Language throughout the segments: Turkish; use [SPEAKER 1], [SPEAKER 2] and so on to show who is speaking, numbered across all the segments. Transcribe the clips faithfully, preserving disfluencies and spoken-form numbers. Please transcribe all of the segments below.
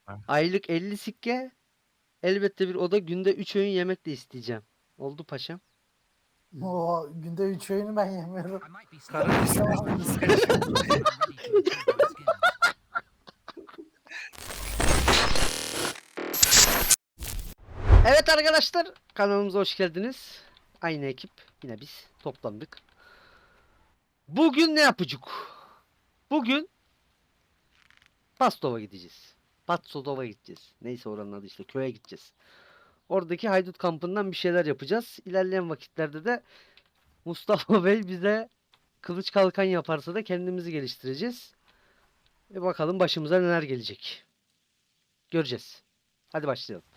[SPEAKER 1] Ha.
[SPEAKER 2] Aylık elli sikke. Elbette bir oda, günde üç öğün yemek de isteyeceğim. Oldu paşam.
[SPEAKER 3] O günde üç öğünü ben yemiyorum.
[SPEAKER 4] Karın istersen sen şimdi.
[SPEAKER 2] Evet arkadaşlar, kanalımıza hoş geldiniz. Aynı ekip, yine biz toplandık. Bugün ne yapacak? Bugün Pastova gideceğiz. Patsodova gideceğiz. Neyse oranın adı, işte köye gideceğiz. Oradaki haydut kampından bir şeyler yapacağız. İlerleyen vakitlerde de Mustafa Bey bize kılıç kalkan yaparsa da kendimizi geliştireceğiz. Ve bakalım başımıza neler gelecek. Göreceğiz. Hadi başlayalım.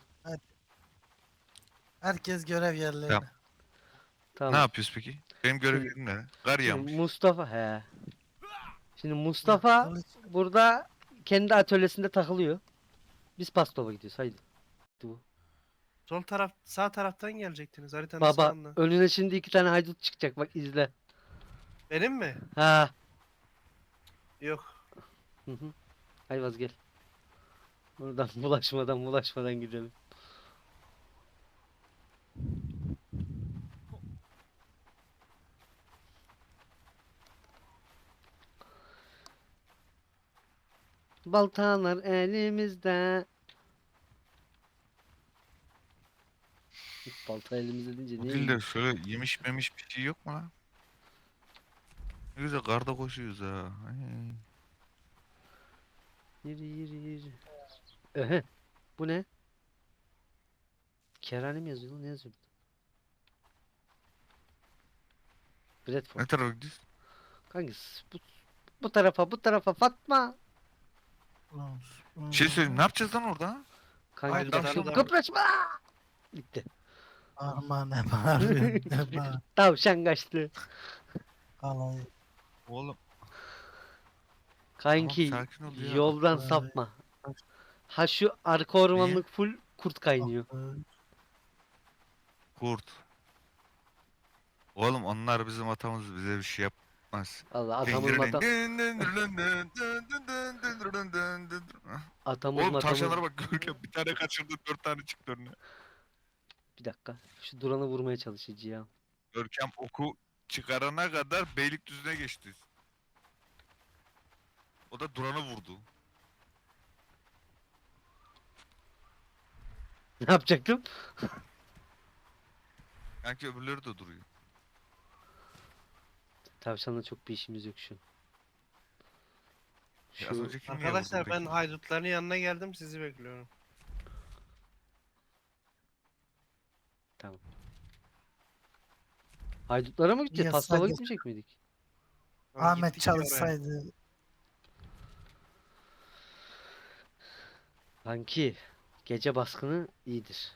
[SPEAKER 3] Herkes görev yerlerine.
[SPEAKER 1] Tamam. Ne
[SPEAKER 2] Tamam.
[SPEAKER 1] yapıyoruz peki? Benim görevim
[SPEAKER 2] Şimdi-
[SPEAKER 1] ne? Kar
[SPEAKER 2] Şimdi
[SPEAKER 1] yağmış.
[SPEAKER 2] Mustafa he. Şimdi Mustafa
[SPEAKER 3] Kılıç.
[SPEAKER 2] burada kendi atölyesinde takılıyor. Biz Pastova gidiyoruz. Haydi. Bu.
[SPEAKER 4] Sol taraf, sağ taraftan gelecektiniz haritanın
[SPEAKER 2] Baba
[SPEAKER 4] sağından.
[SPEAKER 2] önüne şimdi iki tane haydut çıkacak, bak izle.
[SPEAKER 4] Benim mi?
[SPEAKER 2] Ha.
[SPEAKER 4] Yok.
[SPEAKER 2] Hı hı. Ayvaz gel. Buradan bulaşmadan bulaşmadan gidelim. Baltalar elimizde. Balta elimizde deyince
[SPEAKER 1] Bu
[SPEAKER 2] niye?
[SPEAKER 1] dilde şöyle yemiş memiş bir şey yok mu lan? Ne güzel karda koşuyoruz ha. Ay.
[SPEAKER 2] Yürü yürü yürü. Ehe. Bu ne? Kerane mi yazıyor lan? Ne yazıyor? Bradford.
[SPEAKER 1] Ne tarafa gidiyoruz?
[SPEAKER 2] Hangisi? Bu, bu tarafa, bu tarafa Fatma.
[SPEAKER 1] Bir şey söyleyeyim. Ne yapacağız lan orada?
[SPEAKER 2] Kanki
[SPEAKER 4] Hayır,
[SPEAKER 2] bir dakika,
[SPEAKER 4] tavşan da-
[SPEAKER 2] kıpraşma. Bitti.
[SPEAKER 3] Arma ne bağırıyorsun ne bağır.
[SPEAKER 2] Tavşan kaçtı.
[SPEAKER 3] Alayı.
[SPEAKER 1] Oğlum
[SPEAKER 2] Kanki
[SPEAKER 1] tamam, sakin ol ya.
[SPEAKER 2] yoldan
[SPEAKER 3] Vay.
[SPEAKER 2] sapma. Ha şu arka ormanlık full kurt kaynıyor.
[SPEAKER 1] Kurt. Oğlum onlar bizim atamız, bize bir şey yapmaz.
[SPEAKER 2] Allah atamız matam. Atamız
[SPEAKER 1] Oğlum
[SPEAKER 2] matamız.
[SPEAKER 1] tavşanlara bak, Görkem bir tane kaçırdı, dört tane çıktı önüne.
[SPEAKER 2] Bir dakika. Şu duranı vurmaya çalışacağım.
[SPEAKER 1] Görkem oku çıkarana kadar Beylikdüzü'ne geçti. O da Duran'ı vurdu.
[SPEAKER 2] Ne yapacaktım?
[SPEAKER 1] Sanki öbürleri de duruyor.
[SPEAKER 2] Tavşanla çok bir işimiz yok şu.
[SPEAKER 1] Ya az
[SPEAKER 2] Şu
[SPEAKER 1] önce kim niye
[SPEAKER 4] Arkadaşlar
[SPEAKER 1] vurdu
[SPEAKER 4] ben
[SPEAKER 1] peki?
[SPEAKER 4] haydutların yanına geldim, sizi bekliyorum.
[SPEAKER 2] tamam. Haydutlara mı gideceğiz?
[SPEAKER 3] Yes,
[SPEAKER 2] Pastava
[SPEAKER 3] hadi.
[SPEAKER 2] gitmeyecek miydik?
[SPEAKER 4] Ama
[SPEAKER 3] Ahmet
[SPEAKER 4] gittik ya oraya.
[SPEAKER 3] çalışsaydı.
[SPEAKER 2] Kanki gece baskını iyidir.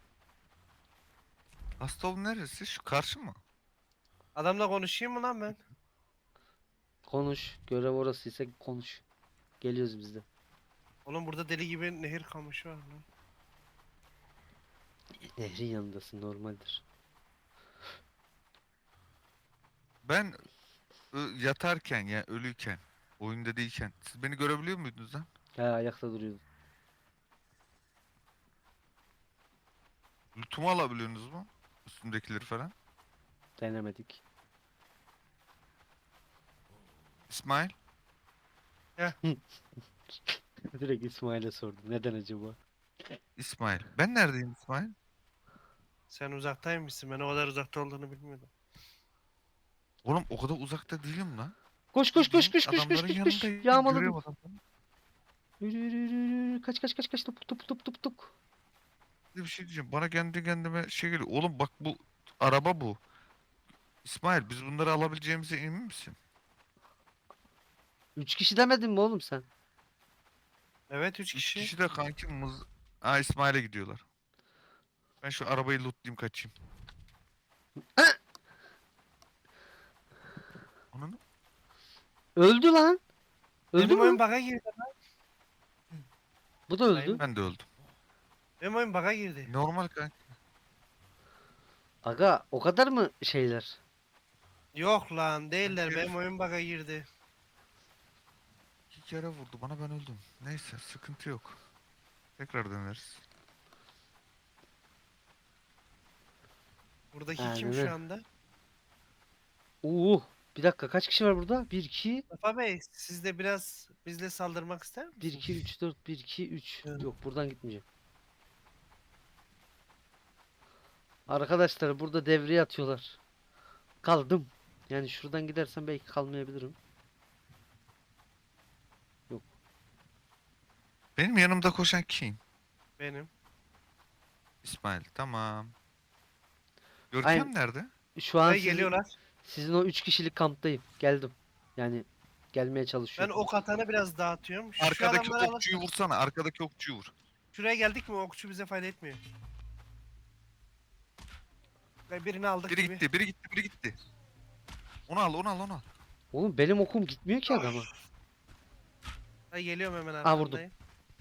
[SPEAKER 1] Hastol neresi? Şu karşı mı?
[SPEAKER 4] Adamla konuşayım mı lan ben?
[SPEAKER 2] Konuş. Görev orasıysa konuş. Geliyoruz biz de.
[SPEAKER 4] Oğlum burada deli gibi nehir kamışı var lan.
[SPEAKER 2] Nehrin yanındasın, normaldir.
[SPEAKER 1] Ben ı, yatarken ya ölüyken, oyunda değilken siz beni görebiliyor muydunuz lan?
[SPEAKER 2] Ha, ayakta duruyordun.
[SPEAKER 1] Lütumu alabiliyorsunuz mu? Üstündekileri falan.
[SPEAKER 2] Denemedik.
[SPEAKER 1] İsmail.
[SPEAKER 2] Direkt İsmail'e sordum. Neden acaba?
[SPEAKER 1] İsmail. Ben neredeyim İsmail?
[SPEAKER 4] Sen uzaktaymışsın, ben o kadar uzakta olduğunu bilmiyordum.
[SPEAKER 1] Oğlum o kadar uzakta değilim lan.
[SPEAKER 2] Koş koş koş
[SPEAKER 1] Bildiğin
[SPEAKER 2] koş koş koş
[SPEAKER 1] adamların
[SPEAKER 2] koş koş.
[SPEAKER 1] yanındayım,
[SPEAKER 2] Yağmaladım.
[SPEAKER 1] görüyorum adamları.
[SPEAKER 2] Yürü yürü yürü yürü. Kaç kaç kaç kaç. Tıp tıp tıp tıp tıp.
[SPEAKER 1] Bir şey diyeceğim. Bana kendi kendime şey geliyor. Oğlum bak bu araba bu. İsmail biz bunları alabileceğimize emin misin?
[SPEAKER 2] Üç kişi demedin mi oğlum sen?
[SPEAKER 4] Evet, üç
[SPEAKER 1] Üç
[SPEAKER 4] kişi.
[SPEAKER 1] kişi de kanki mız... Aa İsmail'e gidiyorlar. Ben şu arabayı lootlayayım kaçayım. Onun
[SPEAKER 2] Öldü lan. Öldü
[SPEAKER 4] Benim oyun
[SPEAKER 2] mü?
[SPEAKER 4] bug'a girdi.
[SPEAKER 2] Bu da öldü.
[SPEAKER 1] ben de öldüm.
[SPEAKER 4] Benim oyun bug'a girdi.
[SPEAKER 1] Normal kanki.
[SPEAKER 2] Aga o kadar mı şeyler?
[SPEAKER 4] Yok lan, değiller.
[SPEAKER 1] Herif-
[SPEAKER 4] Benim oyun bug'a girdi.
[SPEAKER 1] İki kere vurdu bana, ben öldüm. Neyse sıkıntı yok. Tekrar döneriz.
[SPEAKER 4] Buradaki
[SPEAKER 2] Aynen
[SPEAKER 4] kim
[SPEAKER 2] öyle.
[SPEAKER 4] şu anda?
[SPEAKER 2] Oo, bir dakika kaç kişi var burada? bir iki
[SPEAKER 4] Mustafa Bey siz de biraz bizle saldırmak ister
[SPEAKER 2] bir
[SPEAKER 4] misiniz?
[SPEAKER 2] iki üç dört bir iki üç.
[SPEAKER 4] Evet.
[SPEAKER 2] Yok buradan gitmeyeceğim. Arkadaşlar burada devreye atıyorlar. Kaldım. Yani şuradan gidersem belki kalmayabilirim.
[SPEAKER 1] Benim yanımda koşan kim?
[SPEAKER 4] Benim.
[SPEAKER 1] İsmail. Tamam.
[SPEAKER 2] Aynen.
[SPEAKER 1] Görkem nerede?
[SPEAKER 2] Şu an
[SPEAKER 4] Buraya
[SPEAKER 2] sizin,
[SPEAKER 4] geliyorlar.
[SPEAKER 2] sizin o üç kişilik kamptayım. Geldim. Yani gelmeye
[SPEAKER 4] Ben
[SPEAKER 2] çalışıyorum.
[SPEAKER 4] ok atanı biraz dağıtıyorum. Şu
[SPEAKER 1] Arkadaki
[SPEAKER 4] adamları alın.
[SPEAKER 1] okçuyu vursana. Arkadaki okçuyu vur.
[SPEAKER 4] Şuraya geldik mi okçu bize fayda etmiyor. Ve birini aldık
[SPEAKER 1] Biri
[SPEAKER 4] gibi.
[SPEAKER 1] gitti, biri gitti, biri gitti. Onu al, onu al, onu al.
[SPEAKER 2] Oğlum benim okum gitmiyor ki adama.
[SPEAKER 4] Ben geliyorum hemen
[SPEAKER 2] Aa, vurdum.
[SPEAKER 4] arkandayım.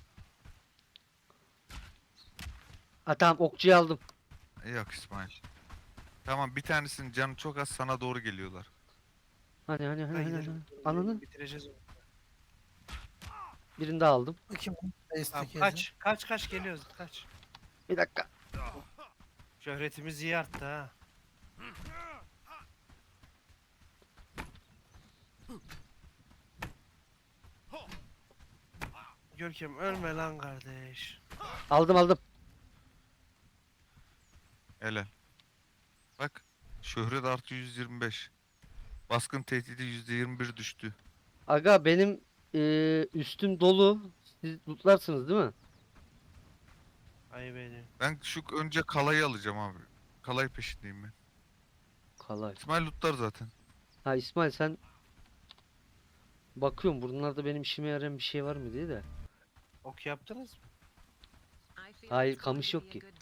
[SPEAKER 2] Ha tamam okçuyu aldım.
[SPEAKER 1] Yok İsmail. Tamam bir tanesinin canı çok az sana doğru geliyorlar.
[SPEAKER 2] Hani hani hani
[SPEAKER 4] Ben
[SPEAKER 2] hani.
[SPEAKER 4] gidelim.
[SPEAKER 2] hani. Ananı.
[SPEAKER 4] Bitireceğiz onu.
[SPEAKER 2] Birini daha aldım.
[SPEAKER 3] Bu kim?
[SPEAKER 4] Tamam,
[SPEAKER 3] Destek
[SPEAKER 4] kaç kaç kaç geliyoruz kaç.
[SPEAKER 2] Bir dakika.
[SPEAKER 4] Şöhretimiz iyi arttı ha. Görkem ölme lan kardeş.
[SPEAKER 2] Aldım aldım.
[SPEAKER 1] Helal. Bak. Şöhret artı yüz yirmi beş. Baskın tehdidi yüzde yirmi bir düştü.
[SPEAKER 2] Aga benim eee, üstüm dolu. Siz lootlarsınız değil mi?
[SPEAKER 4] Ay beni.
[SPEAKER 1] Ben şu önce kalayı alacağım abi. Kalay peşindeyim ben.
[SPEAKER 2] Kalay.
[SPEAKER 1] İsmail lootlar zaten.
[SPEAKER 2] Ha İsmail sen bakıyorum bunlarda benim işime yarayan bir şey var mı diye de.
[SPEAKER 4] Ok yaptınız mı?
[SPEAKER 2] Hayır, kamış yok ki.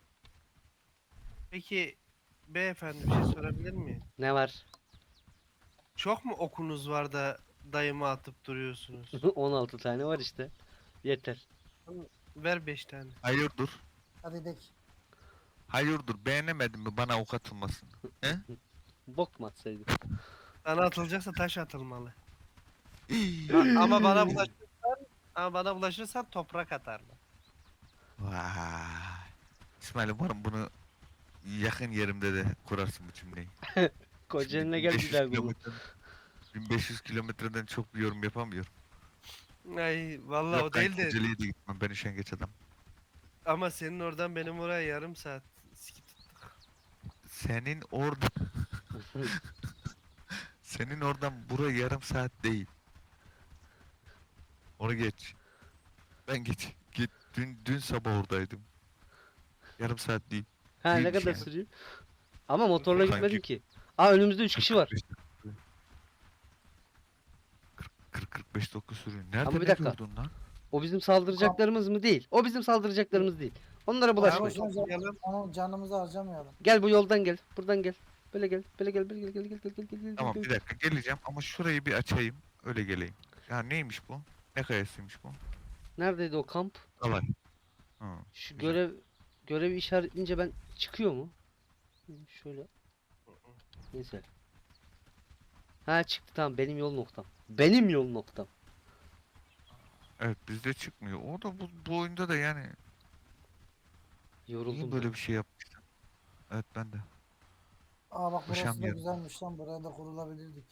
[SPEAKER 4] Peki beyefendi bir şey sorabilir miyim?
[SPEAKER 2] Ne var?
[SPEAKER 4] Çok mu okunuz var da dayıma atıp duruyorsunuz?
[SPEAKER 2] on altı tane var işte. Yeter.
[SPEAKER 4] Ver beş tane.
[SPEAKER 1] Hayırdır?
[SPEAKER 3] Hadi dek.
[SPEAKER 1] Hayırdır? Beğenemedin mi bana ok atılmasın? He?
[SPEAKER 2] Bok mu atsaydım?
[SPEAKER 4] Sana atılacaksa taş atılmalı. A- ama bana bulaşırsan, ama bana bulaşırsan toprak atarlar.
[SPEAKER 1] Vay. İsmail umarım bunu yakın yerimde de kurarsın bu cümleyi.
[SPEAKER 2] Kocaeli'ne
[SPEAKER 1] Şimdi
[SPEAKER 2] gel bir
[SPEAKER 1] 1500
[SPEAKER 2] daha bunu.
[SPEAKER 1] kilometreden bin beş yüz kilometreden çok bir yorum yapamıyorum.
[SPEAKER 4] Ay vallahi
[SPEAKER 1] Yok
[SPEAKER 4] o değil
[SPEAKER 1] ben
[SPEAKER 4] de
[SPEAKER 1] Kocaeli'ye de gitmem. Ben üşengeç adam.
[SPEAKER 4] ama senin oradan benim oraya yarım saat. Sikit.
[SPEAKER 1] Senin orada senin oradan buraya yarım saat değil. Onu geç. Ben geç. Git. Dün, dün sabah oradaydım. Yarım saat değil.
[SPEAKER 2] Ha ne
[SPEAKER 1] Değilmiş
[SPEAKER 2] kadar
[SPEAKER 1] yani.
[SPEAKER 2] sürüyor? Ama motorla
[SPEAKER 1] Sanki-
[SPEAKER 2] gitmedim ki. Aa önümüzde üç kişi var.
[SPEAKER 1] kırk kırk beş dakika sürüyor. Nerede
[SPEAKER 2] Ama bir
[SPEAKER 1] ne
[SPEAKER 2] dakika.
[SPEAKER 1] gördün lan?
[SPEAKER 2] O bizim saldıracaklarımız mı değil? O bizim saldıracaklarımız değil. Onlara
[SPEAKER 4] Ama
[SPEAKER 2] bulaşmayın.
[SPEAKER 3] Boşuna can-
[SPEAKER 4] toplayalım.
[SPEAKER 3] Onu canımızı harcamayalım.
[SPEAKER 2] Gel bu yoldan gel. Buradan gel. Böyle gel. Böyle gel. Böyle gel. Gel gel gel gel gel gel.
[SPEAKER 1] Tamam
[SPEAKER 2] gel.
[SPEAKER 1] bir dakika geleceğim ama şurayı bir açayım. Öyle geleyim. Ya neymiş bu? Ne kayasıymış bu?
[SPEAKER 2] Neredeydi o kamp?
[SPEAKER 1] Alay. Hı.
[SPEAKER 2] Şu
[SPEAKER 1] Güzel.
[SPEAKER 2] görev görevi işaretleyince ben çıkıyor mu? Hı, şöyle. Neyse. Ha çıktı tamam benim yol noktam. Benim yol noktam.
[SPEAKER 1] Evet bizde çıkmıyor. O da bu, bu oyunda da yani
[SPEAKER 2] Yoruldum
[SPEAKER 1] niye
[SPEAKER 2] ben.
[SPEAKER 1] böyle bir şey yapmışlar? Evet ben de.
[SPEAKER 3] Aa bak burası da
[SPEAKER 1] Koşamıyorum.
[SPEAKER 3] güzelmiş lan. Buraya da kurulabilirdik.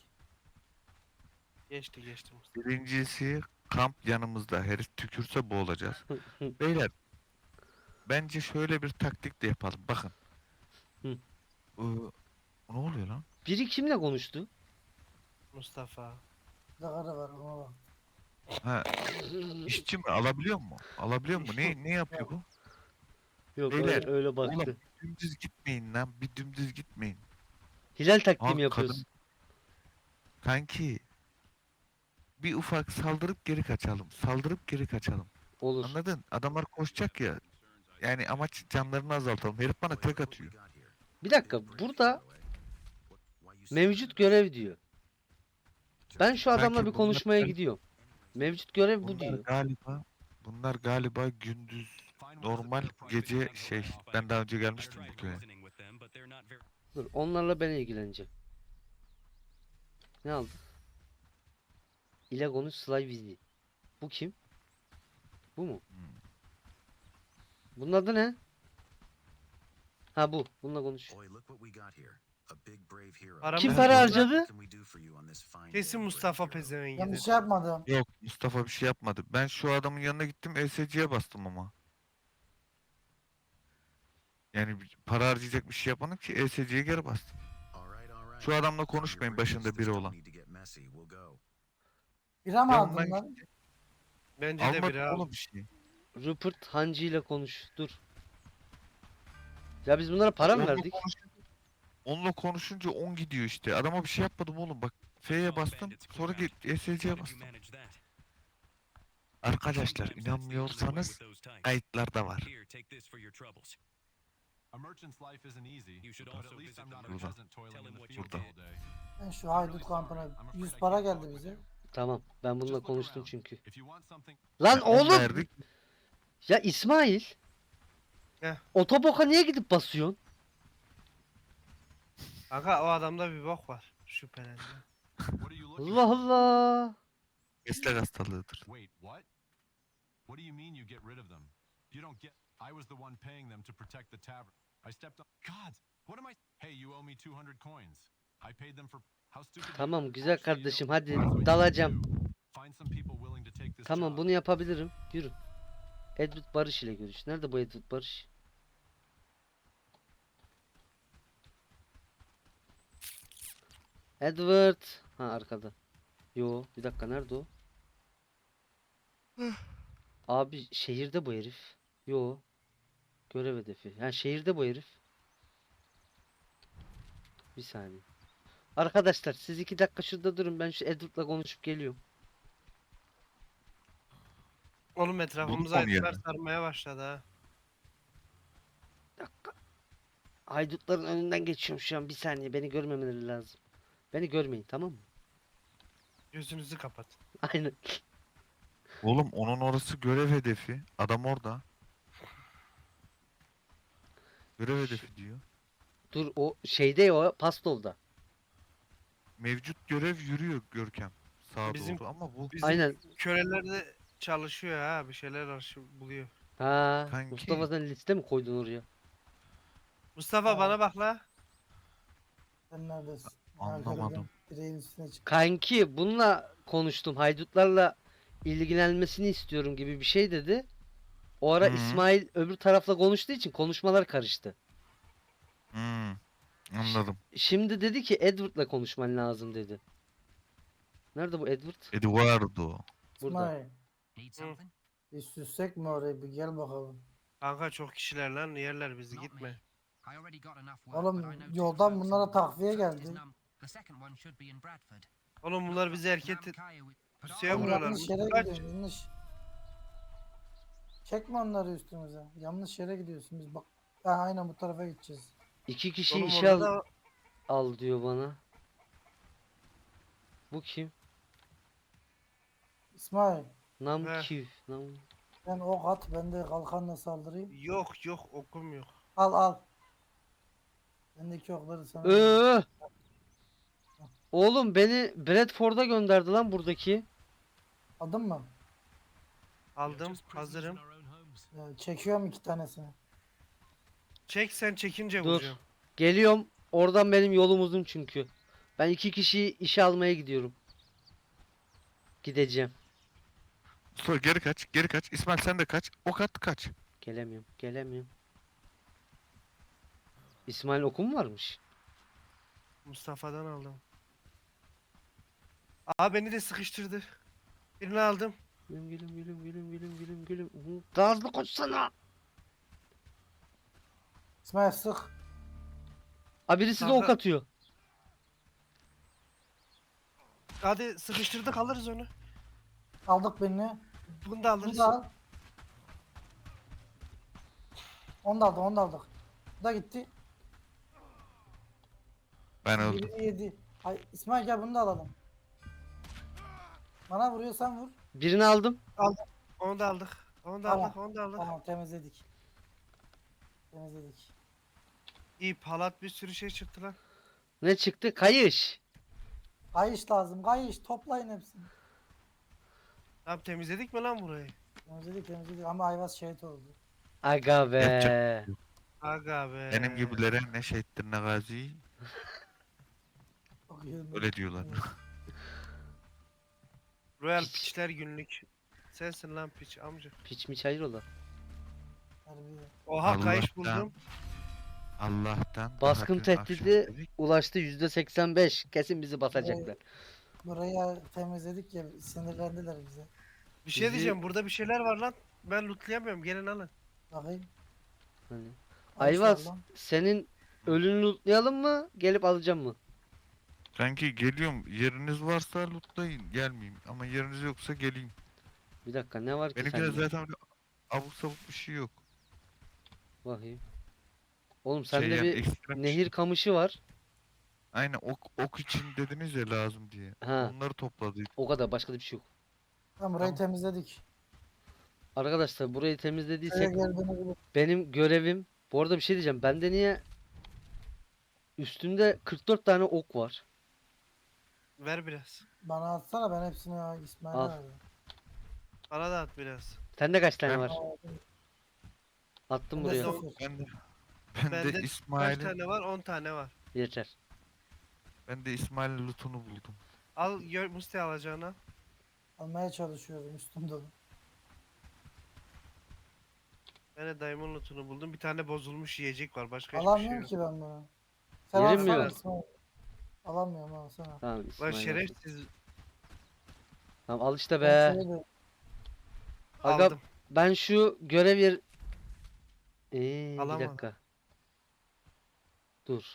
[SPEAKER 4] Geçti geçti Mustafa.
[SPEAKER 1] Birincisi kamp yanımızda. Herif tükürse boğulacağız. Beyler bence şöyle bir taktik de yapalım. Bakın.
[SPEAKER 2] Hı.
[SPEAKER 1] Ee, ne oluyor lan?
[SPEAKER 2] Biri kimle konuştu?
[SPEAKER 4] Mustafa.
[SPEAKER 3] Bir de karı var ona bak.
[SPEAKER 1] Ha, işçi mi? Alabiliyor mu? Alabiliyor mu? Ne ne yapıyor bu?
[SPEAKER 2] Yok
[SPEAKER 1] Beyler,
[SPEAKER 2] öyle, öyle baktı.
[SPEAKER 1] Oğlum dümdüz gitmeyin lan. Bir dümdüz gitmeyin.
[SPEAKER 2] Hilal taktiği
[SPEAKER 1] Aa,
[SPEAKER 2] mi yapıyoruz?
[SPEAKER 1] kadın- Kanki bir ufak saldırıp geri kaçalım. Saldırıp geri kaçalım.
[SPEAKER 2] Olur.
[SPEAKER 1] Anladın? Adamlar koşacak ya. Yani amaç canlarını azaltalım. Herif bana tek atıyor.
[SPEAKER 2] Bir dakika burada mevcut görev diyor. Ben şu adamla
[SPEAKER 1] Kanki
[SPEAKER 2] bir
[SPEAKER 1] bunlar
[SPEAKER 2] konuşmaya
[SPEAKER 1] gal-
[SPEAKER 2] gidiyorum. Mevcut görev bu
[SPEAKER 1] Bunlar
[SPEAKER 2] diyor.
[SPEAKER 1] galiba bunlar galiba gündüz normal gece şey ben daha önce gelmiştim bu köye.
[SPEAKER 2] Dur onlarla ben ilgileneceğim. Ne aldın? İle konuş Sly Vizi. Bu kim? Bu mu? Bunun adı ne? Ha bu. Bununla konuş.
[SPEAKER 5] Boy, look what we got here. A big brave hero.
[SPEAKER 4] Paramız
[SPEAKER 2] Kim
[SPEAKER 1] Ben-
[SPEAKER 2] para
[SPEAKER 1] Ben-
[SPEAKER 2] harcadı?
[SPEAKER 5] What can we do for you on this fine day,
[SPEAKER 4] Kesin
[SPEAKER 5] brave
[SPEAKER 4] Mustafa
[SPEAKER 5] hero?
[SPEAKER 3] Ben bir
[SPEAKER 4] pezevengidir.
[SPEAKER 3] şey yapmadım.
[SPEAKER 1] Yok Mustafa bir şey yapmadı. Ben şu adamın yanına gittim E S C'ye bastım ama. Yani bir- para harcayacak bir şey yapmadım ki E S C'ye geri bastım.
[SPEAKER 5] All right, all right.
[SPEAKER 1] Şu adamla
[SPEAKER 5] Tell your
[SPEAKER 1] konuşmayın
[SPEAKER 5] brains
[SPEAKER 1] başında
[SPEAKER 5] this
[SPEAKER 1] biri
[SPEAKER 5] don't
[SPEAKER 1] olan.
[SPEAKER 5] need to get messy. We'll go.
[SPEAKER 3] Bira mı
[SPEAKER 1] Ya
[SPEAKER 3] aldın
[SPEAKER 1] ben
[SPEAKER 3] lan?
[SPEAKER 4] Bence de
[SPEAKER 1] almadım
[SPEAKER 4] biri al.
[SPEAKER 1] oğlum bir şey.
[SPEAKER 2] Rupert Hancı ile konuş. Dur. Ya biz bunlara para mı
[SPEAKER 1] Onunla
[SPEAKER 2] verdik?
[SPEAKER 1] konuşunca- Onunla konuşunca on gidiyor işte. Adama bir şey yapmadım oğlum bak. F'ye bastım sonra git E S C'ye bastım. Arkadaşlar inanmıyorsanız kayıtlarda var.
[SPEAKER 6] A merchant's life isn't easy,
[SPEAKER 7] You should
[SPEAKER 6] but
[SPEAKER 7] also
[SPEAKER 6] at least
[SPEAKER 7] visit
[SPEAKER 6] I'm
[SPEAKER 7] the
[SPEAKER 6] not a
[SPEAKER 1] market.
[SPEAKER 6] peasant toiling
[SPEAKER 7] Tell
[SPEAKER 6] in
[SPEAKER 7] him
[SPEAKER 6] the
[SPEAKER 7] what
[SPEAKER 6] fields
[SPEAKER 7] you
[SPEAKER 6] all day.
[SPEAKER 3] Ben şu haydut kampına yüz para geldi bize.
[SPEAKER 2] Tamam. Ben bununla
[SPEAKER 6] Just look
[SPEAKER 2] konuştum
[SPEAKER 6] around.
[SPEAKER 2] çünkü.
[SPEAKER 6] If you want something,
[SPEAKER 2] Lan
[SPEAKER 1] Yani on
[SPEAKER 2] oğlum!
[SPEAKER 1] verdik.
[SPEAKER 2] Ya İsmail.
[SPEAKER 4] Heh.
[SPEAKER 2] Otoboka niye gidip basıyorsun?
[SPEAKER 4] Kanka o adamda bir bok var. Şüphelendim.
[SPEAKER 6] what are you looking
[SPEAKER 2] Allah Allah.
[SPEAKER 1] Meslek hastalığıdır.
[SPEAKER 6] Wait, what? What do you mean you get rid of them? You don't get. I was the one paying them to protect the tavern. I stepped on. God, what am I? Hey, you owe me two hundred coins. I paid them for. How stupid. you
[SPEAKER 2] Tamam
[SPEAKER 6] are.
[SPEAKER 2] güzel
[SPEAKER 6] Actually, you
[SPEAKER 2] kardeşim
[SPEAKER 6] know,
[SPEAKER 2] hadi
[SPEAKER 6] here's what you
[SPEAKER 2] dalacağım.
[SPEAKER 6] need to do. Find some people willing to take this
[SPEAKER 2] Tamam
[SPEAKER 6] job.
[SPEAKER 2] bunu yapabilirim. Yürü. Edward Barış ile görüş. Nerede bu Edward Barış? Edward. Ha arkada. Yo bir dakika nerede o? Abi şehirde bu herif. Yo. Görev hedefi. Ha şehirde bu herif. Bir saniye. Arkadaşlar siz iki dakika şurada durun. Ben şu Edward'la konuşup geliyorum.
[SPEAKER 4] Oğlum etrafımıza
[SPEAKER 1] Buldum
[SPEAKER 4] ayıtlar
[SPEAKER 1] yani.
[SPEAKER 4] sarmaya başladı ha.
[SPEAKER 2] Bir dakika. Haydutların önünden geçiyorum şu an. Bir saniye. Beni görmemeleri lazım. Beni görmeyin tamam mı?
[SPEAKER 4] Gözünüzü kapat.
[SPEAKER 2] Aynen.
[SPEAKER 1] Oğlum onun orası görev hedefi. Adam orada. Görev hedefi diyor.
[SPEAKER 2] Dur o şeyde o pastolda.
[SPEAKER 1] Mevcut görev yürüyor Görkem. Sağa
[SPEAKER 4] Bizim-
[SPEAKER 1] doğru ama bu
[SPEAKER 4] Bizim
[SPEAKER 2] Aynen.
[SPEAKER 4] köleler de çalışıyor ha. Bir şeyler arşiv buluyor.
[SPEAKER 2] Ha,
[SPEAKER 1] Kanki.
[SPEAKER 2] Mustafa sen liste mi koydun oraya?
[SPEAKER 4] Mustafa
[SPEAKER 3] Aa.
[SPEAKER 4] bana bak la.
[SPEAKER 3] Sen neredesin?
[SPEAKER 1] Anlamadım.
[SPEAKER 3] Direğin üstüne çık.
[SPEAKER 2] Kanki bununla konuştum. Haydutlarla ilgilenmesini istiyorum gibi bir şey dedi. O ara
[SPEAKER 1] Hı.
[SPEAKER 2] İsmail öbür tarafla konuştuğu için konuşmalar karıştı.
[SPEAKER 1] Hmm, anladım.
[SPEAKER 2] Şimdi dedi ki Edward'la konuşman lazım dedi. Nerede bu Edward?
[SPEAKER 1] Eduardo.
[SPEAKER 2] Burada.
[SPEAKER 3] İsmail
[SPEAKER 7] Need something?
[SPEAKER 3] bir süssek mi orayı bir gel bakalım.
[SPEAKER 4] Kanka çok kişiler lan yerler bizi
[SPEAKER 7] Not
[SPEAKER 4] gitme.
[SPEAKER 7] me. I already got enough work,
[SPEAKER 3] Oğlum,
[SPEAKER 7] but I know two
[SPEAKER 3] yoldan
[SPEAKER 7] folks
[SPEAKER 3] bunlara
[SPEAKER 7] in-
[SPEAKER 3] takviye
[SPEAKER 7] first
[SPEAKER 3] geldi.
[SPEAKER 7] is Num- The second one should be in Bradford.
[SPEAKER 4] Oğlum bunlar bizi erkek
[SPEAKER 7] Namkaya with- But
[SPEAKER 4] Pusuya
[SPEAKER 7] I-
[SPEAKER 3] Oğlum
[SPEAKER 4] buralar.
[SPEAKER 3] yanlış yere
[SPEAKER 4] Kaç.
[SPEAKER 3] gidiyorsun yanlış. Çekme onları üstümüze. Yanlış yere gidiyorsun biz bak. Ha, aynen bu tarafa gideceğiz.
[SPEAKER 2] İki kişi
[SPEAKER 4] Oğlum
[SPEAKER 2] işe al,
[SPEAKER 4] orada da
[SPEAKER 2] al diyor bana. Bu kim?
[SPEAKER 3] İsmail
[SPEAKER 2] Namkiv. Nam...
[SPEAKER 3] sen ok at ben de kalkanla saldırayım.
[SPEAKER 4] yok yok okum yok.
[SPEAKER 3] Al al. Bendeki okları sana.
[SPEAKER 2] Öö! Oğlum beni Bradford'a gönderdi lan buradaki.
[SPEAKER 3] Aldın mı?
[SPEAKER 4] Aldım hazırım.
[SPEAKER 3] Ya, çekiyorum iki tanesini.
[SPEAKER 4] Çek sen çekince
[SPEAKER 2] Dur.
[SPEAKER 4] vuracağım.
[SPEAKER 2] Geliyorum. Oradan benim yolum uzun çünkü. Ben iki kişiyi işe almaya gidiyorum. Gideceğim.
[SPEAKER 1] Sonra geri kaç, geri kaç. İsmail sen de kaç. Ok at kaç.
[SPEAKER 2] Gelemiyorum. Gelemiyorum. İsmail okum mu varmış?
[SPEAKER 4] Mustafa'dan aldım. Aa beni de sıkıştırdı. Birini aldım.
[SPEAKER 2] Gülüm gülüm gülüm gülüm gülüm gülüm gülüm. Hı, daha hızlı koşsana.
[SPEAKER 3] İsmail sık.
[SPEAKER 2] Aa birisi de ok
[SPEAKER 4] Kanka-
[SPEAKER 2] atıyor.
[SPEAKER 4] Hadi sıkıştırdık alırız onu.
[SPEAKER 3] Aldık birini.
[SPEAKER 4] Bunu da
[SPEAKER 3] Bunu
[SPEAKER 4] alırız.
[SPEAKER 3] da al. Onu da aldık onu da aldık. Bu da gitti.
[SPEAKER 1] Ben öldüm.
[SPEAKER 3] Birini yedi. Ay, İsmail gel bunu da alalım. Bana vuruyorsan vur.
[SPEAKER 2] Birini aldım.
[SPEAKER 4] Onu da aldık. Onu da
[SPEAKER 3] Tamam.
[SPEAKER 4] aldık. Onu da aldık.
[SPEAKER 3] Tamam temizledik. Temizledik.
[SPEAKER 4] İyi palat bir sürü şey çıktı lan.
[SPEAKER 2] Ne çıktı? Kayış.
[SPEAKER 3] Kayış lazım. Kayış toplayın hepsini.
[SPEAKER 4] Abi temizledik mi lan burayı?
[SPEAKER 3] Temizledik temizledik ama Ayvaz şehit oldu.
[SPEAKER 2] Aga be.
[SPEAKER 1] Yapacak-
[SPEAKER 4] Aga be.
[SPEAKER 1] Benim gibilere ne şehittir ne gazi.
[SPEAKER 3] Bakıyorum.
[SPEAKER 1] Öyle diyorlar.
[SPEAKER 4] Royal
[SPEAKER 2] Piç.
[SPEAKER 4] piçler günlük. Sensin lan piç amca.
[SPEAKER 2] Piç miç hayır ola.
[SPEAKER 3] Harbi.
[SPEAKER 4] Oha kayış
[SPEAKER 1] Allah'tan-
[SPEAKER 4] buldum.
[SPEAKER 1] Allah'tan daha
[SPEAKER 2] Baskın
[SPEAKER 1] dün akşam
[SPEAKER 2] tehdidi
[SPEAKER 1] dedik,
[SPEAKER 2] ulaştı yüzde seksen beş. Kesin bizi basacaklar.
[SPEAKER 3] Burayı temizledik ya sinirlendiler bize.
[SPEAKER 4] Bir şey
[SPEAKER 2] Bizi-
[SPEAKER 4] diyeceğim burada bir şeyler var lan. Ben lootlayamıyorum gelin alın.
[SPEAKER 3] Bakayım.
[SPEAKER 2] Hani.
[SPEAKER 3] Ay,
[SPEAKER 2] Ayvaz
[SPEAKER 3] sağlam.
[SPEAKER 2] senin ölünü lootlayalım mı? Gelip alacağım mı?
[SPEAKER 1] Sanki geliyorum, yeriniz varsa lootlayın, gelmeyeyim. Ama yeriniz yoksa geleyim.
[SPEAKER 2] Bir dakika ne var ki
[SPEAKER 1] Benimkide
[SPEAKER 2] sende?
[SPEAKER 1] zaten öyle abuk sabuk bir şey yok.
[SPEAKER 2] Bakayım. Oğlum sende
[SPEAKER 1] Şey yani
[SPEAKER 2] bir
[SPEAKER 1] ekstrem bir
[SPEAKER 2] nehir
[SPEAKER 1] şey.
[SPEAKER 2] kamışı var.
[SPEAKER 1] Aynen ok, ok için dediniz ya lazım diye.
[SPEAKER 2] Ha.
[SPEAKER 1] Onları topladık.
[SPEAKER 2] O kadar başka da bir şey yok.
[SPEAKER 3] Tamam burayı
[SPEAKER 1] Tamam.
[SPEAKER 3] temizledik.
[SPEAKER 2] Arkadaşlar burayı
[SPEAKER 3] Şuraya
[SPEAKER 2] temizlediysek
[SPEAKER 3] geldiğini gibi.
[SPEAKER 2] benim görevim. Bu arada bir şey diyeceğim. Bende niye üstümde kırk dört tane ok var.
[SPEAKER 4] Ver biraz.
[SPEAKER 3] Bana atsana ben hepsini ya İsmail'e
[SPEAKER 2] Al.
[SPEAKER 3] verdim.
[SPEAKER 4] Bana da at biraz.
[SPEAKER 2] Sende kaç tane
[SPEAKER 1] Ben-
[SPEAKER 2] var? Attım
[SPEAKER 3] Ben de
[SPEAKER 2] buraya.
[SPEAKER 3] sıfır.
[SPEAKER 1] Ben de, ben
[SPEAKER 4] Bende
[SPEAKER 1] de
[SPEAKER 4] kaç
[SPEAKER 1] İsmail'in
[SPEAKER 4] tane var? on tane var.
[SPEAKER 2] Yeter.
[SPEAKER 1] ben de İsmail'in lootunu buldum.
[SPEAKER 4] Al gör Musti alacağına.
[SPEAKER 3] Almaya çalışıyorum üstümde.
[SPEAKER 4] Ben de Diamond lootunu buldum. Bir tane bozulmuş yiyecek var. Başka hiçbir şey
[SPEAKER 3] Alamıyorum
[SPEAKER 4] yok.
[SPEAKER 3] ki ben bunu. Sen
[SPEAKER 2] Yerim mi
[SPEAKER 3] alsana
[SPEAKER 2] var?
[SPEAKER 3] İsmail. Alamıyorum al sana.
[SPEAKER 2] Tamam
[SPEAKER 4] Lan
[SPEAKER 2] İsmail. olsun.
[SPEAKER 4] şerefsiz
[SPEAKER 2] Tamam al işte
[SPEAKER 3] Ben
[SPEAKER 2] be.
[SPEAKER 3] şeyi de-
[SPEAKER 2] Aga
[SPEAKER 4] aldım.
[SPEAKER 2] ben şu görev yer... Ee, bir
[SPEAKER 4] Alamadım.
[SPEAKER 2] dakika. Dur.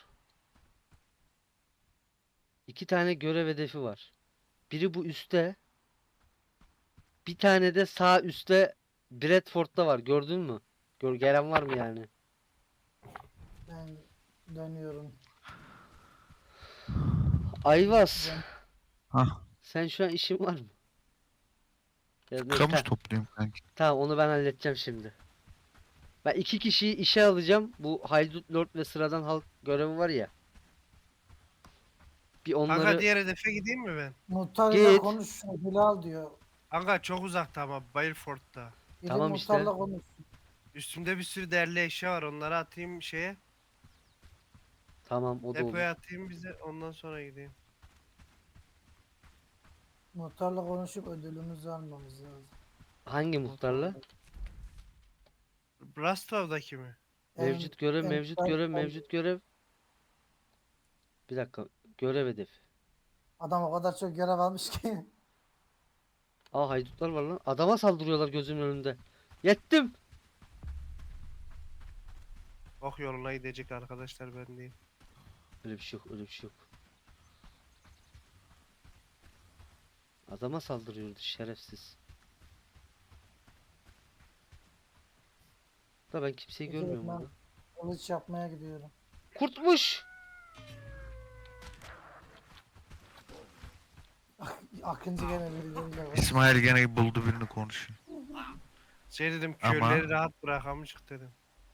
[SPEAKER 2] İki tane görev hedefi var. Biri bu üstte. Bir tane de sağ üstte Bradford'da var. Gördün mü? Gör, gelen var mı yani?
[SPEAKER 3] Ben dönüyorum.
[SPEAKER 2] Ayvaz.
[SPEAKER 3] Ben-
[SPEAKER 1] Hah.
[SPEAKER 2] Sen şu an işin var mı? Ya ne-
[SPEAKER 1] Kamış
[SPEAKER 2] ta-
[SPEAKER 1] topluyorum kanki.
[SPEAKER 2] Tamam onu ben halledeceğim şimdi. Ben iki kişiyi işe alacağım. Bu Haydut Lord ve sıradan halk görevi var ya. Bir
[SPEAKER 4] Kanka
[SPEAKER 2] onları
[SPEAKER 4] diğer hedefe gideyim mi ben?
[SPEAKER 3] Muhtarla
[SPEAKER 2] Git.
[SPEAKER 3] konuş. Hilal diyor.
[SPEAKER 4] Kanka çok uzakta ama Baleford'da.
[SPEAKER 3] Gidin
[SPEAKER 2] Tamam işte.
[SPEAKER 3] muhtarla konuş.
[SPEAKER 4] Üstümde bir sürü değerli eşya var. Onları atayım şeye.
[SPEAKER 2] tamam o da olur.
[SPEAKER 4] Depoya atayım bize. Ondan sonra gideyim.
[SPEAKER 3] Muhtarla konuşup ödülümüzü almamız lazım.
[SPEAKER 2] Hangi muhtarla?
[SPEAKER 4] Brastov'daki mi?
[SPEAKER 3] En-
[SPEAKER 2] Mevcut görev,
[SPEAKER 3] en-
[SPEAKER 2] mevcut
[SPEAKER 3] en-
[SPEAKER 2] görev,
[SPEAKER 3] en-
[SPEAKER 2] mevcut görev. Bir dakika. Görev hedefi.
[SPEAKER 3] Adam o kadar çok görev almış ki.
[SPEAKER 2] Aa haydutlar var lan. Adama saldırıyorlar gözümün önünde. Yettim.
[SPEAKER 4] Ok yoluna gidecek arkadaşlar ben değil.
[SPEAKER 2] Öyle bir şey yok, öyle bir şey yok. Adama saldırıyordu şerefsiz. Da ben kimseyi
[SPEAKER 3] Peki,
[SPEAKER 2] görmüyorum
[SPEAKER 3] ben-
[SPEAKER 2] orada.
[SPEAKER 3] Kılıç yapmaya gidiyorum.
[SPEAKER 2] Kurtmuş.
[SPEAKER 3] Akıncı gene birileriyle var.
[SPEAKER 1] İsmail gene buldu birini konuşuyor.
[SPEAKER 4] Şey dedim
[SPEAKER 1] Ama-
[SPEAKER 4] köyleri rahat bırakamışık dedim.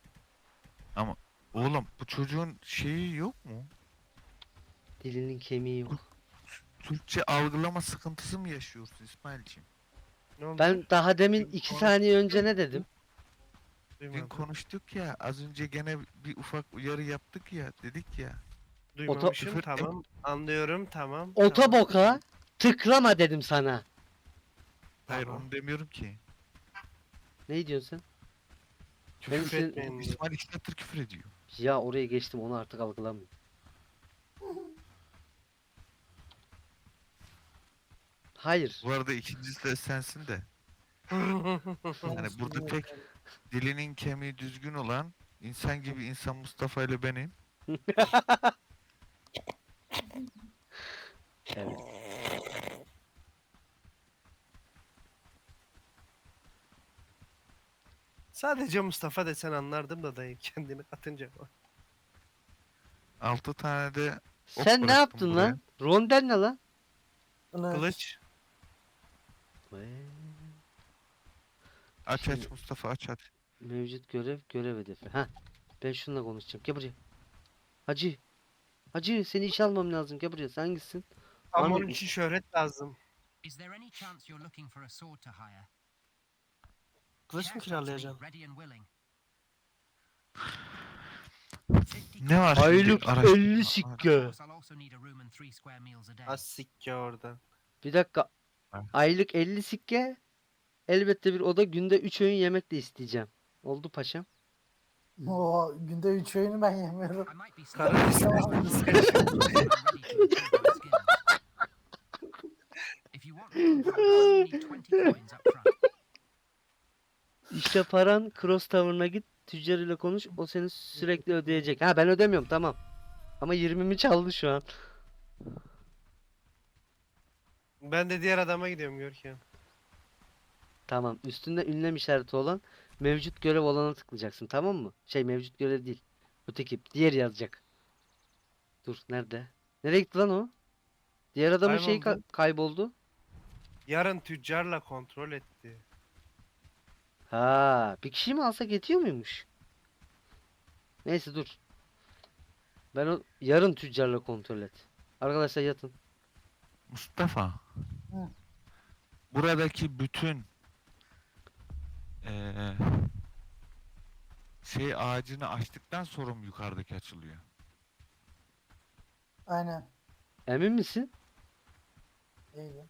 [SPEAKER 1] Oğlum bu çocuğun şeyi yok mu?
[SPEAKER 2] Dilinin kemiği yok.
[SPEAKER 1] Türkçe algılama sıkıntısı mı yaşıyorsun İsmail'ciğim?
[SPEAKER 4] Ne oldu?
[SPEAKER 2] Ben daha demin iki
[SPEAKER 1] Konuş-
[SPEAKER 2] saniye önce ne dedim?
[SPEAKER 1] Dün
[SPEAKER 4] Duymadım.
[SPEAKER 1] konuştuk ya, az önce gene bir ufak uyarı yaptık ya, dedik ya.
[SPEAKER 4] Duymamışım
[SPEAKER 1] Küfür-
[SPEAKER 4] tamam. Anlıyorum tamam.
[SPEAKER 2] Ota
[SPEAKER 4] tamam.
[SPEAKER 2] boka tıklama dedim sana.
[SPEAKER 1] Hayır
[SPEAKER 4] Tamam.
[SPEAKER 1] onu demiyorum ki.
[SPEAKER 2] Ne diyorsun sen?
[SPEAKER 1] Küfür
[SPEAKER 2] Ben senin-
[SPEAKER 1] etmeyin. İsmail iki saattir küfür ediyor.
[SPEAKER 2] Ya oraya geçtim onu artık algılamıyorum. Hayır.
[SPEAKER 1] Bu arada ikincisi de sensin de. Yani burada tek dilinin kemiği düzgün olan, insan gibi insan Mustafa ile benim.
[SPEAKER 2] Evet.
[SPEAKER 4] Sadece Mustafa desen anlardım da dayı kendini katınca.
[SPEAKER 1] Altı tane de Ok
[SPEAKER 2] Sen ne
[SPEAKER 1] bıraktım
[SPEAKER 2] yaptın
[SPEAKER 1] buraya.
[SPEAKER 2] lan? Rondel ne lan?
[SPEAKER 3] Kılıç.
[SPEAKER 4] Kılıç.
[SPEAKER 1] aç
[SPEAKER 2] Şimdi-
[SPEAKER 1] aç Mustafa aç aç.
[SPEAKER 2] Mevcut görev, görev hedefi. Ha. Ben şununla konuşacağım. Gel buraya. Hacı. Hacı seni işe almam lazım. Gel buraya. Sen hangisin?
[SPEAKER 4] Ama
[SPEAKER 2] Anladım.
[SPEAKER 4] onun için şöhret lazım.
[SPEAKER 7] Is there any chance you're looking for a sword to hire?
[SPEAKER 4] Kılıç mı
[SPEAKER 7] Sheriff wants me,
[SPEAKER 4] kiralayacaksın?
[SPEAKER 7] ready and willing.
[SPEAKER 1] Ne var şimdi?
[SPEAKER 2] Aylık
[SPEAKER 1] Araştırma.
[SPEAKER 2] elli
[SPEAKER 7] Of
[SPEAKER 2] sikke.
[SPEAKER 7] course, I'll also need a room and three square meals a day.
[SPEAKER 4] Az sikke orada.
[SPEAKER 2] Bir dakika.
[SPEAKER 1] Ha.
[SPEAKER 2] Aylık elli sikke. Elbette bir oda, günde üç öğün yemek de isteyeceğim. Oldu paşam.
[SPEAKER 3] O günde üç öğünü ben yemiyorum.
[SPEAKER 7] I might be
[SPEAKER 4] Karı
[SPEAKER 7] somewhat
[SPEAKER 3] Tamam.
[SPEAKER 7] ready to improve my skills. If you want one, you need twenty coins up front.
[SPEAKER 2] İşte paran Cross Tower'ına git. Tüccar ile konuş. O seni sürekli ödeyecek. Ha ben ödemiyorum tamam. Ama yirmimi çaldı şu an.
[SPEAKER 4] Ben de diğer adama gidiyorum Görkem.
[SPEAKER 2] Tamam. Üstünde ünlem işareti olan mevcut görev olana tıklayacaksın. Tamam mı? Şey mevcut görev değil. Öteki. Diğer yazacak. Dur nerede? Nereye gitti lan o? Diğer adamın şeyi ka-
[SPEAKER 4] Kayboldu.
[SPEAKER 2] kayboldu.
[SPEAKER 4] Yarın tüccarla kontrol etti.
[SPEAKER 2] Ha, bir kişi mi alsak yetiyor muymuş? Neyse dur. Ben o yarın tüccarla kontrol et. Arkadaşlar yatın.
[SPEAKER 1] Mustafa.
[SPEAKER 3] Hı.
[SPEAKER 1] Buradaki bütün eee, şey ağacını açtıktan sonra mı yukarıdaki açılıyor?
[SPEAKER 3] Aynen.
[SPEAKER 2] Emin misin?
[SPEAKER 3] İyi.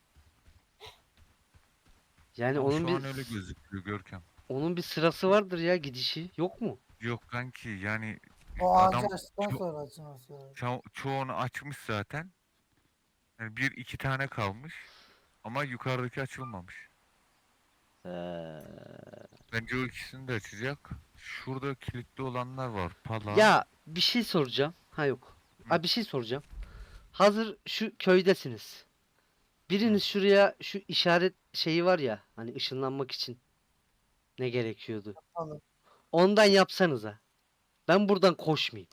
[SPEAKER 2] Yani
[SPEAKER 1] Ama
[SPEAKER 2] onun
[SPEAKER 1] şu
[SPEAKER 2] bir
[SPEAKER 1] an öyle gözüküyor Görkem.
[SPEAKER 2] onun bir sırası vardır ya gidişi. Yok mu?
[SPEAKER 1] Yok kanki yani
[SPEAKER 3] O
[SPEAKER 1] adam
[SPEAKER 3] ağacı açtıktan
[SPEAKER 1] ço-
[SPEAKER 3] sonra açılması lazım.
[SPEAKER 1] ço- çoğunu açmış zaten. Yani bir iki tane kalmış. Ama yukarıdaki açılmamış.
[SPEAKER 2] Ee,
[SPEAKER 1] Bence o ikisini de açacak. Şurada kilitli olanlar var. Pala.
[SPEAKER 2] ya bir şey soracağım. Ha yok. Ha bir şey soracağım. Hazır şu köydesiniz. Biriniz şuraya şu işaret şeyi var ya hani ışınlanmak için ne gerekiyordu?
[SPEAKER 3] Alın.
[SPEAKER 2] Ondan yapsanıza. Ben buradan koşmayayım.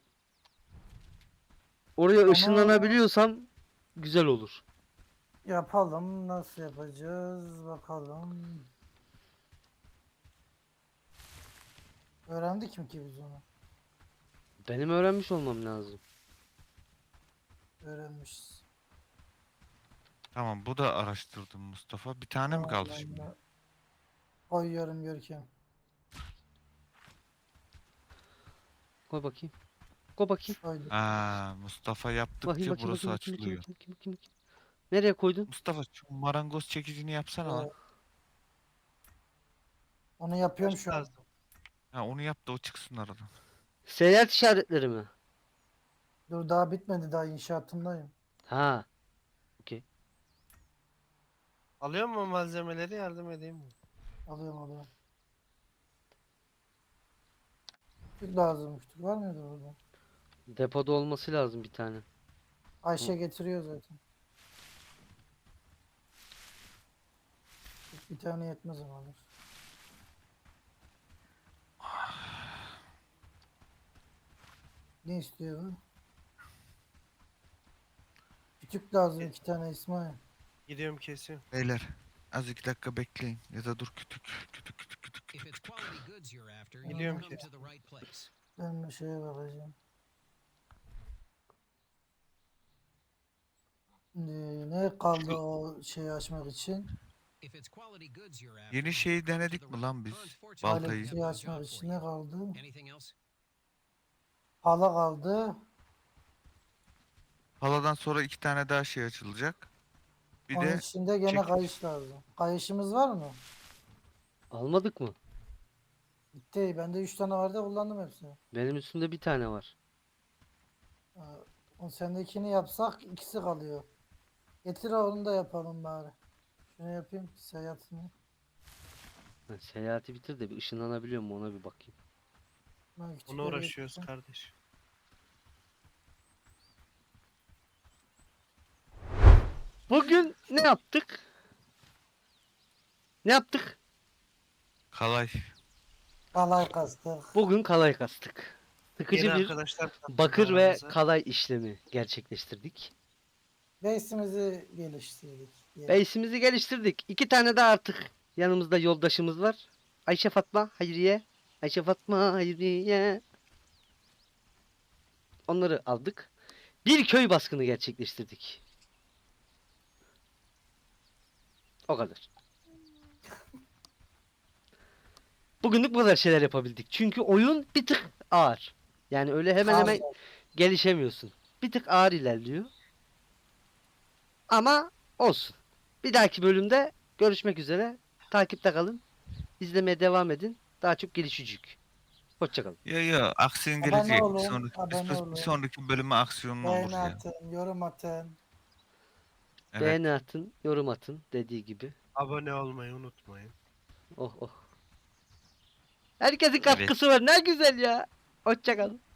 [SPEAKER 2] Oraya
[SPEAKER 3] Ama-
[SPEAKER 2] ışınlanabiliyorsam güzel olur.
[SPEAKER 3] Yapalım. Nasıl yapacağız? Bakalım. Öğrendik mi ki biz onu?
[SPEAKER 2] Benim öğrenmiş olmam lazım.
[SPEAKER 3] Öğrenmişiz.
[SPEAKER 1] Tamam bu da araştırdım Mustafa. Bir tane mi kaldı
[SPEAKER 3] Tamam, ben
[SPEAKER 1] şimdi?
[SPEAKER 3] de Koyuyorum Görkem.
[SPEAKER 2] Koy bakayım. Koy bakayım.
[SPEAKER 3] Koydum.
[SPEAKER 1] Aa, Mustafa yaptıkça
[SPEAKER 2] Bakayım bakayım
[SPEAKER 1] burası
[SPEAKER 2] bakayım bakayım bakayım
[SPEAKER 1] açılıyor.
[SPEAKER 2] bakayım bakayım bakayım. Nereye koydun?
[SPEAKER 1] Mustafa şu marangoz çekicini yapsana lan.
[SPEAKER 3] Evet. Onu yapıyorum
[SPEAKER 4] Taş
[SPEAKER 3] şu an.
[SPEAKER 4] lazım.
[SPEAKER 1] Ha onu yap da o çıksın aradan.
[SPEAKER 2] Seyahat işaretleri mi?
[SPEAKER 3] Dur daha bitmedi, daha inşaatındayım.
[SPEAKER 2] Ha.
[SPEAKER 4] Alıyor mu malzemeleri yardım edeyim mi?
[SPEAKER 3] Alıyorum alıyorum. Tüp lazımmış. Tüp var mıydı orada?
[SPEAKER 2] Depoda olması lazım bir tane.
[SPEAKER 3] Ayşe getiriyor zaten. Tüp bir tane yetmez ama alır. Ne istiyor bu? Kütük lazım iki tane İsmail.
[SPEAKER 4] Gidiyorum kesiyorum.
[SPEAKER 1] Beyler az iki dakika bekleyin. Ya da dur kütük kütük kütük kütük
[SPEAKER 7] If
[SPEAKER 1] kütük
[SPEAKER 7] it's
[SPEAKER 1] kütük.
[SPEAKER 7] quality goods you're after, you've
[SPEAKER 4] Biliyorum
[SPEAKER 7] come
[SPEAKER 4] ki.
[SPEAKER 7] to the right place.
[SPEAKER 3] Ben bir şeye bakacağım. Şimdi ne kaldı o şeyi açmak için?
[SPEAKER 7] If it's quality goods you're after,
[SPEAKER 1] Yeni
[SPEAKER 7] you've
[SPEAKER 1] şeyi
[SPEAKER 7] come to
[SPEAKER 1] denedik
[SPEAKER 7] the
[SPEAKER 1] mi
[SPEAKER 7] right-
[SPEAKER 1] lan biz?
[SPEAKER 7] Unfortunately,
[SPEAKER 1] Baltayı.
[SPEAKER 7] we
[SPEAKER 3] Elektriği
[SPEAKER 7] have no
[SPEAKER 3] açmak
[SPEAKER 7] job
[SPEAKER 3] için
[SPEAKER 7] for
[SPEAKER 3] ne
[SPEAKER 7] you.
[SPEAKER 3] kaldı?
[SPEAKER 7] Anything else?
[SPEAKER 3] Hala kaldı.
[SPEAKER 1] Haladan sonra iki tane daha şey açılacak. Bir
[SPEAKER 3] Onun
[SPEAKER 1] de
[SPEAKER 3] içinde gene
[SPEAKER 1] çekiç.
[SPEAKER 3] kayış lazım. Kayışımız var mı?
[SPEAKER 2] Almadık mı?
[SPEAKER 3] Bitti. Bende üç tane vardı, kullandım hepsini.
[SPEAKER 2] Benim üstümde bir tane var.
[SPEAKER 3] Ee, O sendekini yapsak ikisi kalıyor. Getir onu da yapalım bari. Şunu yapayım seyahatini.
[SPEAKER 2] Ha, seyahati bitir de bir ışınlanabiliyor mu ona bir bakayım.
[SPEAKER 3] Ben
[SPEAKER 4] Ona
[SPEAKER 3] küçükleri
[SPEAKER 4] uğraşıyoruz
[SPEAKER 3] getirdim.
[SPEAKER 4] kardeş.
[SPEAKER 2] Bugün ne yaptık? Ne yaptık?
[SPEAKER 1] kalay.
[SPEAKER 3] Kalay kastık.
[SPEAKER 2] Bugün kalay kastık. Sıkıcı
[SPEAKER 4] Yeni
[SPEAKER 2] bir
[SPEAKER 4] arkadaşlar katıldı
[SPEAKER 2] bakır ve
[SPEAKER 4] aramıza.
[SPEAKER 2] kalay işlemi gerçekleştirdik.
[SPEAKER 3] Base'imizi geliştirdik. diye.
[SPEAKER 2] Base'imizi geliştirdik. İki tane de artık yanımızda yoldaşımız var. Ayşe Fatma Hayriye. Ayşe Fatma Hayriye. Onları aldık. Bir köy baskını gerçekleştirdik. O kadar. Bugünlük bu kadar şeyler yapabildik. Çünkü oyun bir tık ağır. Yani öyle hemen hemen
[SPEAKER 3] Ağır.
[SPEAKER 2] gelişemiyorsun. Bir tık ağır ilerliyor. Ama olsun. Bir dahaki bölümde görüşmek üzere. Takipte kalın. İzlemeye devam edin. Daha çok gelişecek. Hoşçakalın.
[SPEAKER 1] Ya ya aksiyon
[SPEAKER 3] Abone
[SPEAKER 1] gelecek. Bir
[SPEAKER 3] olun,
[SPEAKER 1] sonraki,
[SPEAKER 3] abone
[SPEAKER 1] bir- bir
[SPEAKER 3] olun.
[SPEAKER 1] sonraki bölüme aksiyonlu olur
[SPEAKER 3] Beğeni
[SPEAKER 1] ya.
[SPEAKER 3] atın, yorum atın.
[SPEAKER 1] Evet.
[SPEAKER 2] Beğeni atın, yorum atın dediği gibi.
[SPEAKER 4] Abone olmayı unutmayın.
[SPEAKER 2] Oh oh. Herkesin katkısı var. Ne güzel ya. Hoşçakalın.